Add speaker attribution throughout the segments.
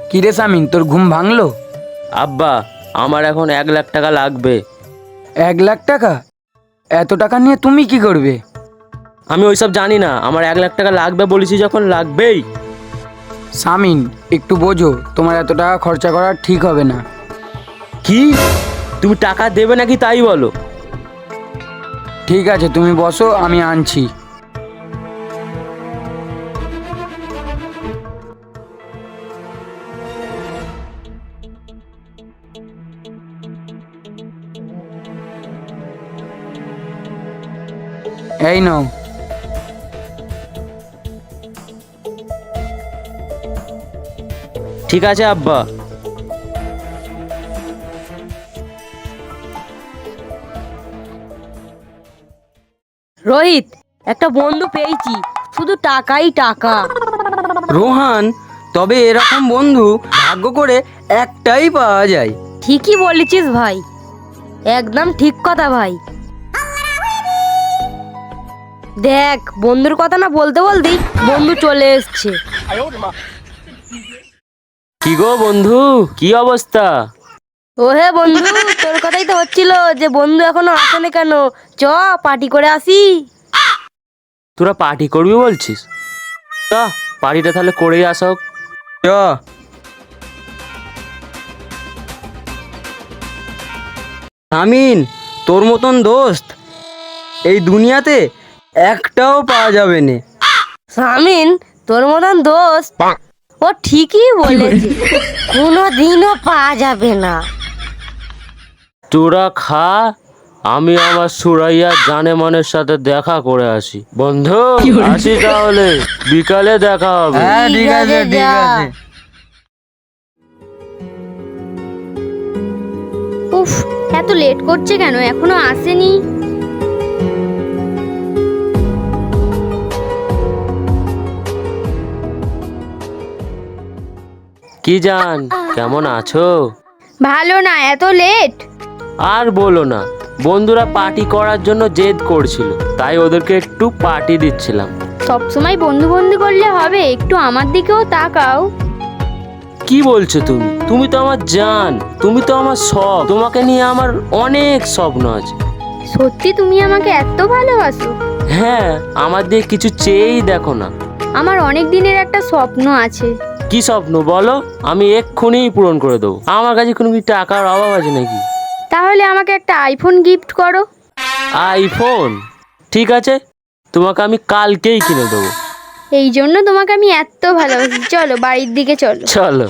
Speaker 1: কিরে সামিন, তোর ঘুম ভাঙলো?
Speaker 2: আব্বা, আমার এখন 1 লাখ টাকা লাগবে।
Speaker 1: 1 লাখ টাকা? এত টাকা নিয়ে তুমি কি করবে?
Speaker 2: আমি ওইসব জানি না, আমার 1 লাখ টাকা লাগবে বলেছি যখন লাগবেই।
Speaker 1: সামিন, একটু বোঝো, তোমার এত টাকা খরচা করা ঠিক হবে না।
Speaker 2: কি? তুমি টাকা দেবে নাকি তাই বলো।
Speaker 1: ঠিক আছে, তুমি বসো, আমি আনছি। এই নাও।
Speaker 2: ঠিক আছে আব্বা।
Speaker 3: রোহিত, একটা বন্ধু পেয়েছি, শুধু টাকাই টাকা।
Speaker 4: রোহান, তবে এরকম বন্ধু ভাগ্য করে একটাই পাওয়া যায়।
Speaker 3: ঠিকই বলেছিস ভাই, একদম ঠিক কথা ভাই। দেখ, বন্ধুর কথা না বলতে বলতেই বন্ধু চলে এসছে।
Speaker 2: কি গো বন্ধু, কি অবস্থা?
Speaker 3: ও হে বন্ধু, তোর কথাই তো হচ্ছিল যে বন্ধু এখনো আসেনি কেন, চ পার্টি করে আসি।
Speaker 2: তোরা পার্টি করবি বলছিস? তা পার্টিটা তাহলে করেই আসো।
Speaker 4: চ। আমিন, তোর মতন দোস্ত এই দুনিয়াতে একটাও পাওয়া যাবে না।
Speaker 3: সামিন, তোর মতন দোস্ত ও ঠিকই বলেছে, কোনোদিনও পাওয়া যাবে না।
Speaker 2: তোরা খা, আমি আমার সুরাইয়া জানেমানের সাথে দেখা করে আসি। বন্ধু, আসি তাহলে, বিকালে দেখা হবে।
Speaker 4: হ্যাঁ, ঠিক আছে, ঠিক
Speaker 3: যা।
Speaker 4: আছে।
Speaker 5: উফ, এত লেট করছে কেন, এখনো আসেনি?
Speaker 2: কি জান, কেমন আছো?
Speaker 5: ভালো না, এত লেট?
Speaker 2: আর বলো না, বন্ধুরা পার্টি করার জন্য জেদ করছিল, তাই ওদেরকে একটু পার্টি দিচ্ছিলাম।
Speaker 5: সব সময় বন্ধু বন্ধু করলে হবে, একটু আমার দিকেও তাকাও।
Speaker 2: কি বলছো তুমি? তুমি তো আমার জান, তুমি তো আমার সব। তোমাকে নিয়ে আমার অনেক স্বপ্ন আছে।
Speaker 5: সত্যি তুমি আমাকে এত ভালোবাসো?
Speaker 2: হ্যাঁ, আমার দিয়ে কিছু চেয়েই দেখো না।
Speaker 5: আমার অনেক দিনের একটা স্বপ্ন আছে।
Speaker 2: কি স্বপ্ন বলো, আমি এক্ষুনি পূরণ করে দেবো। আমার কাছে কোনো কি টাকার অভাব আছে নাকি?
Speaker 5: তাহলে আমাকে একটা আইফোন গিফট করো।
Speaker 2: আইফোন? ঠিক আছে, তোমাকে আমি কালকেই কিনে দেবো।
Speaker 5: এই জন্য তোমাকে আমি এত ভালোবাসি। চলো বাড়ির দিকে চলো।
Speaker 2: চলো।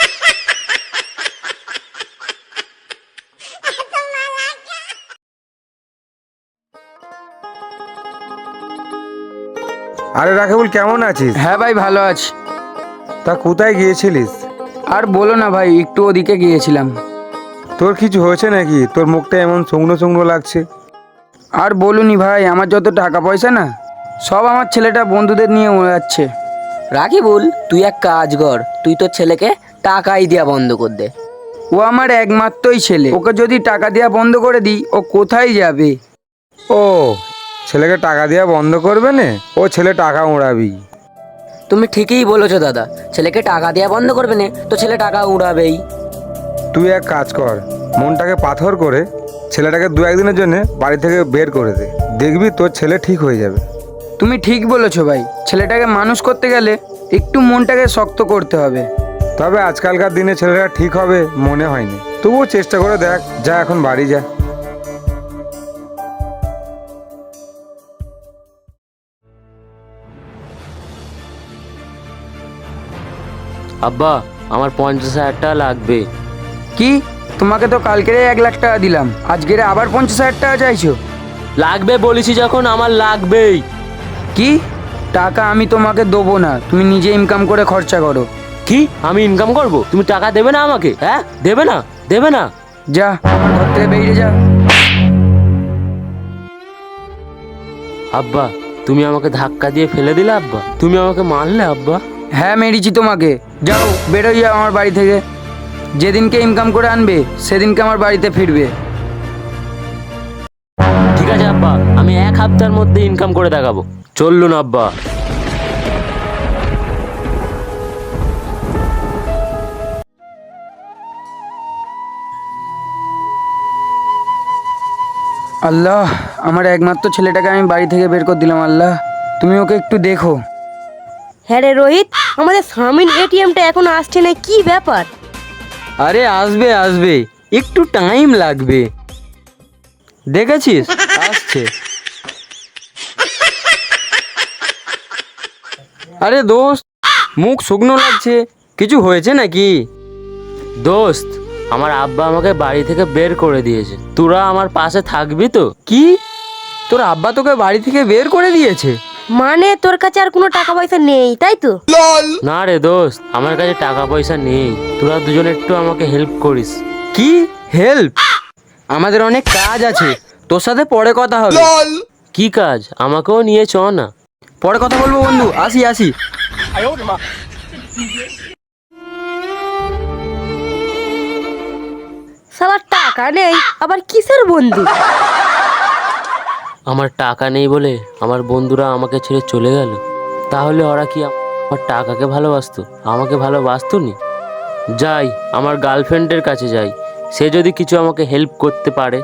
Speaker 6: আরে রাকিবুল, কেমন আছিস?
Speaker 1: হ্যাঁ ভাই, ভালো আছি।
Speaker 6: তা কোথায় গিয়েছিলিস?
Speaker 1: আর বলো না ভাই, একটু ওদিকে গিয়েছিলাম।
Speaker 6: তোর কিছু হয়েছে নাকি? তোর মুখটা এমন শুকনো শুকনো লাগছে।
Speaker 1: আর বলুনি ভাই, আমার যত টাকা পয়সা না, সব আমার ছেলেটা বন্ধুদের নিয়ে উড়াচ্ছে।
Speaker 4: রাকিবুল, তুই এক কাজ কর, তুই তোর ছেলেকে টাকাই দেয়া বন্ধ কর দে।
Speaker 1: ও আমার একমাত্রই ছেলে, ওকে যদি টাকা দেওয়া বন্ধ করে দিই, ও কোথায় যাবে?
Speaker 6: ও, ছেলেকে টাকা দেওয়া বন্ধ করবে না, ও ছেলে টাকা উড়াবি।
Speaker 4: তুমি ঠিকই বলেছো দাদা, ছেলেকে টাকা দেয়া বন্ধ করবে না তো ছেলে টাকা উড়াবেই।
Speaker 6: তুই এক কাজ কর, মনটাকে পাথর করে ছেলেটাকে 2-1 দিনের জন্য বাড়ি থেকে বের করে দে, দেখবি তোর ছেলে ঠিক হয়ে যাবে।
Speaker 1: তুমি ঠিক বলেছো ভাই, ছেলেটাকে মানুষ করতে গেলে একটু মনটাকে শক্ত করতে হবে।
Speaker 6: তবে আজকালকার দিনে ছেলেটা ঠিক হবে মনে হয়নি, তবুও চেষ্টা করে দেখ। যা, এখন বাড়ি যা।
Speaker 2: আব্বা, আমার 50,000 টাকা লাগবে।
Speaker 1: কি? তোমাকে তো কালকেরে 1 লাখ টাকা দিলাম, আজকের আবার 50,000 টাকা চাইছো?
Speaker 2: লাগবে বলেছি যখন, আমার লাগবেই।
Speaker 1: কি? টাকা আমি তোমাকে দেবো না, তুমি নিজে ইনকাম করে খরচা করো।
Speaker 2: কি? আমি ইনকাম করব? তুমি টাকা দেবে না আমাকে? হ্যাঁ, দেবে না? দেবে না?
Speaker 1: যা, আমার ঘর থেকে বেরিয়ে যা।
Speaker 2: আব্বা, তুমি আমাকে ধাক্কা দিয়ে ফেলে দিলে আব্বা, তুমি আমাকে মারলে আব্বা।
Speaker 1: হ্যাঁ, মেরেছি তোমাকে। যাও, বেরোই যাও আমার বাড়ি থেকে। যেদিনকে ইনকাম করে আনবে সেদিনকে আমার বাড়িতে ফিরবে।
Speaker 2: ঠিক আছে আব্বা, আমি 1 সপ্তাহের মধ্যে ইনকাম করে দেখাবো। চললুন আব্বা।
Speaker 1: আল্লাহ, আমার একমাত্র ছেলেটাকে আমি বাড়ি থেকে বের করে দিলাম। আল্লাহ, তুমি ওকে একটু দেখো।
Speaker 3: হ্যাঁ রে রোহিত, আমাদের স্বামীর এটিএমটা এখন আসছে না, কি ব্যাপার?
Speaker 4: আরে আসবে আসবে, একটু টাইম লাগবে। দেখেছিস আসছে। আরে দোস্ত, মুখ শুকনো লাগছে, কিছু হয়েছে নাকি?
Speaker 2: দোস্ত, আমার আব্বা আমাকে বাড়ি থেকে বের করে দিয়েছে। তোরা আমার পাশে থাকবি তো?
Speaker 4: কি, তোর আব্বা তোকে বাড়ি থেকে বের করে দিয়েছে?
Speaker 3: মানে তোর কাছে আর কোনো টাকা পয়সা নেই, তাই তো?
Speaker 2: না রে দোস্ত, আমার কাছে টাকা পয়সা নেই। তোরা দুজন একটু আমাকে হেল্প করিস।
Speaker 4: কি হেল্প? আমাদের অনেক কাজ আছে, তোর সাথে পরে কথা হবে।
Speaker 2: কি কাজ? আমাকেও নিয়ে চ না।
Speaker 4: পরে কথা বলবো বন্ধু, আসি আসি।
Speaker 3: সালা টাকা নেই, আবার কিসের বন্ধু?
Speaker 2: আমার টাকা নেই বলে আমার বন্ধুরা আমাকে ছেড়ে চলে গেল। তাহলে ওরা কি আমার টাকাকে ভালোবাসতো, আমাকে ভালোবাসতো নি? যাই, আমার গার্লফ্রেন্ডের কাছে যাই, সে যদি কিছু আমাকে হেল্প করতে পারে।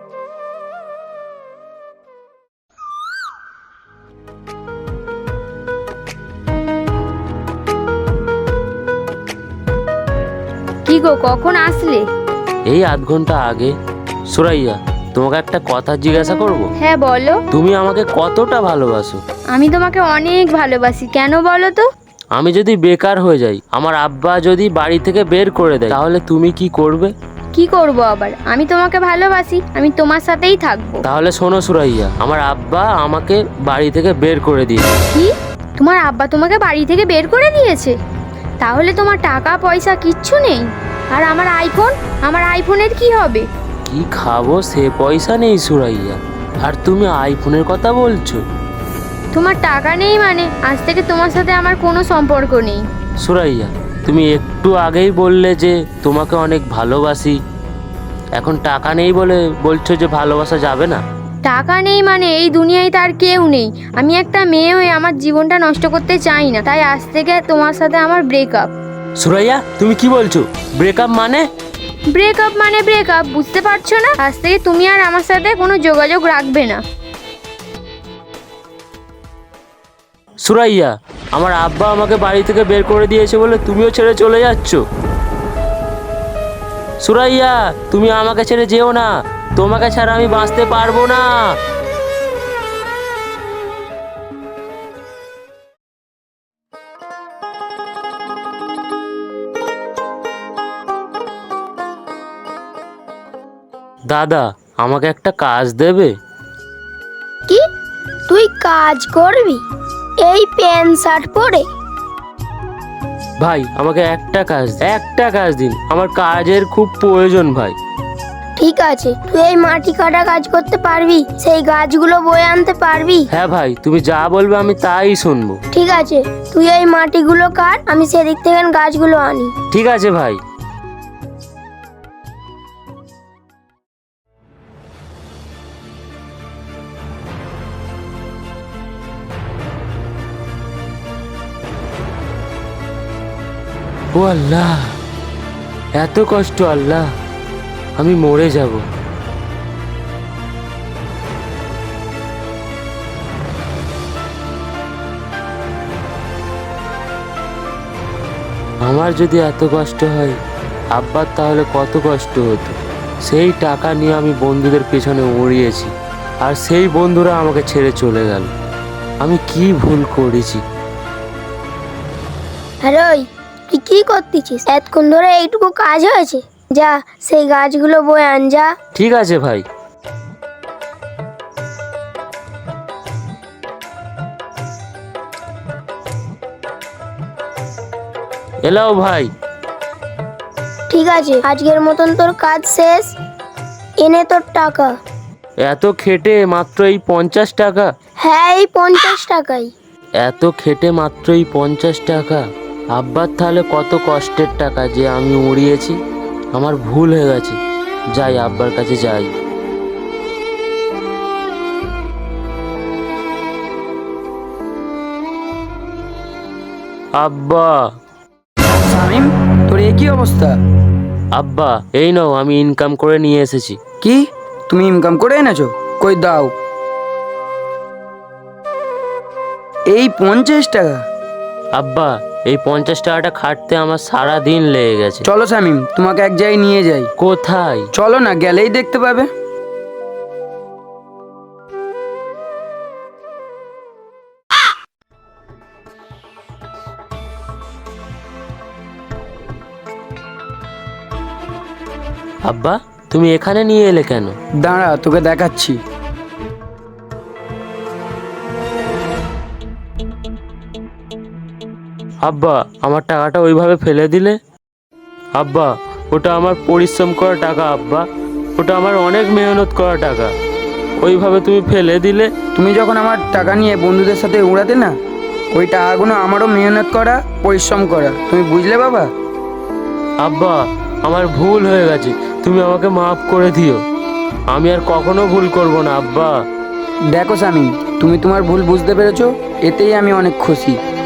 Speaker 5: কি গো, কখন আসলে?
Speaker 2: এই আধ ঘন্টা আগে। সুরাইয়া, তোমাকে একটা কথা জিজ্ঞাসা করব?
Speaker 5: হ্যাঁ বলো।
Speaker 2: তুমি আমাকে কতটা ভালোবাসো?
Speaker 5: আমি তোমাকে অনেক ভালোবাসি, কেন বলো তো?
Speaker 2: আমি যদি বেকার হয়ে যাই, আমার আব্বা যদি বাড়ি থেকে বের করে দেয়, তাহলে তুমি কি করবে?
Speaker 5: কি করব আবার? আমি তোমাকে ভালোবাসি, আমি তোমার সাথেই থাকবো।
Speaker 2: তাহলে শোনো সুরাইয়া, আমার আব্বা আমাকে বাড়ি থেকে বের করে দিয়েছে।
Speaker 5: কি? তোমার আব্বা তোমাকে বাড়ি থেকে বের করে দিয়েছে? তাহলে তোমার টাকা পয়সা কিচ্ছু নেই? আর আমার আইফোন, আমার আইফোনের কি হবে?
Speaker 2: কি খাবো সে পয়সা নেই সুরাইয়া, আর তুমি আইফোনের কথা বলছো?
Speaker 5: তোমার টাকা নেই মানে আজ থেকে তোমার সাথে আমার কোনো সম্পর্ক নেই।
Speaker 2: সুরাইয়া, তুমি একটু আগেই বললে যে তোমাকে অনেক ভালোবাসি, এখন টাকা নেই বলে বলছো যে ভালোবাসা যাবে না?
Speaker 5: টাকা নেই মানে এই দুনিয়ায় তার কেউ নেই। আমি একটা মেয়ে হয়ে আমার জীবনটা নষ্ট করতে চাই না, তাই আজ থেকে তোমার সাথে আমার ব্রেকআপ।
Speaker 2: সুরাইয়া, তুমি কি বলছো? ব্রেকআপ মানে?
Speaker 5: ব্রেকআপ মানে ব্রেকআপ, বুঝতে পারছো না? আজ থেকে তুমি আর আমার সাথে কোনো যোগাযোগ রাখবে না।
Speaker 2: সুরাইয়া, আমার আব্বা আমাকে বাড়ি থেকে বের করে দিয়েছে বলে তুমিও ছেড়ে চলে যাচ্ছ? সুরাইয়া, তুমি আমাকে ছেড়ে যেও না, তোমাকে ছাড়া আমি বাঁচতে পারবো না। দাদা, আমাকে একটা কাজ দেবে?
Speaker 7: কি তুই কাজ করবি এই প্যান্ট শার্ট পরে?
Speaker 2: ভাই, আমাকে একটা কাজ দিন, আমার কাজের খুব প্রয়োজন ভাই।
Speaker 7: ঠিক আছে, তুই এই মাটি কাটা কাজ করতে পারবি? সেই গাছগুলো বয়ে আনতে পারবি?
Speaker 2: হ্যাঁ ভাই, তুমি যা বলবে আমি তাই শুনবো।
Speaker 7: ঠিক আছে, তুই এই মাটিগুলো কাট, আমি সেদিক থেকে গাছগুলো আনি।
Speaker 2: ঠিক আছে ভাই। ও আল্লাহ, এত কষ্ট আল্লাহ, আমি মরে যাব। আমার যদি এত কষ্ট হয়, আব্বার তাহলে কত কষ্ট হতো। সেই টাকা নিয়ে আমি বন্ধুদের পেছনে উড়িয়েছি, আর সেই বন্ধুরা আমাকে ছেড়ে চলে গেল। আমি কি ভুল করেছি?
Speaker 7: আরে ওই, তুই কি করতেছিস? এতক্ষণ ধরে এইটুকু কাজ হয়েছে, যা সেই গাছগুলো বয়ে আন যা।
Speaker 2: ঠিক আছে ভাই। এলাও ভাই।
Speaker 7: ঠিক আছে, আজকের মতন তোর কাজ শেষ, এনে তোর টাকা।
Speaker 2: এত খেটে মাত্র এই 50 টাকা?
Speaker 7: হ্যাঁ, এই 50 টাকাই।
Speaker 2: এত খেটে মাত্র এই 50 টাকা? আব্বার তাহলে কত কষ্টের টাকা যে আমি উড়িয়েছি। আমার ভুল হয়ে গেছে, যাই আব্বার কাছে যাই। আব্বা।
Speaker 1: শামিম, তোর এ কি অবস্থা?
Speaker 2: আব্বা, এই নাও, আমি ইনকাম করে নিয়ে এসেছি।
Speaker 1: কি? তুমি ইনকাম করে এনেছো? কই দাও। এই 50 টাকা?
Speaker 2: আব্বা, এই 50 টাকাটা খাটতে আমার সারা দিন লেগে গেছে।
Speaker 1: চলো শামিম, তোমাকে এক জায়গায় নিয়ে যাই।
Speaker 2: কোথায়?
Speaker 1: চলো না, গেলেই দেখতে পাবে।
Speaker 2: আব্বা, তুমি এখানে নিয়ে এলে কেন?
Speaker 1: দাঁড়া, তোকে দেখাচ্ছি।
Speaker 2: আব্বা, আমার টাকাটা ওইভাবে ফেলে দিলে? আব্বা, ওটা আমার পরিশ্রম করা টাকা আব্বা, ওটা আমার অনেক মেহনত করা টাকা, ওইভাবে তুমি ফেলে দিলে।
Speaker 1: তুমি যখন আমার টাকা নিয়ে বন্ধুদের সাথে উড়াতে না, ওই টাকাগুলো আমারও মেহনত করা, পরিশ্রম করা। তুমি বুঝলে বাবা?
Speaker 2: আব্বা, আমার ভুল হয়ে গেছে, তুমি আমাকে মাফ করে দিও। আমি আর কখনো ভুল করব না আব্বা।
Speaker 1: দেখো শামিম, তুমি তোমার ভুল বুঝতে পেরেছো, এতেই আমি অনেক খুশি।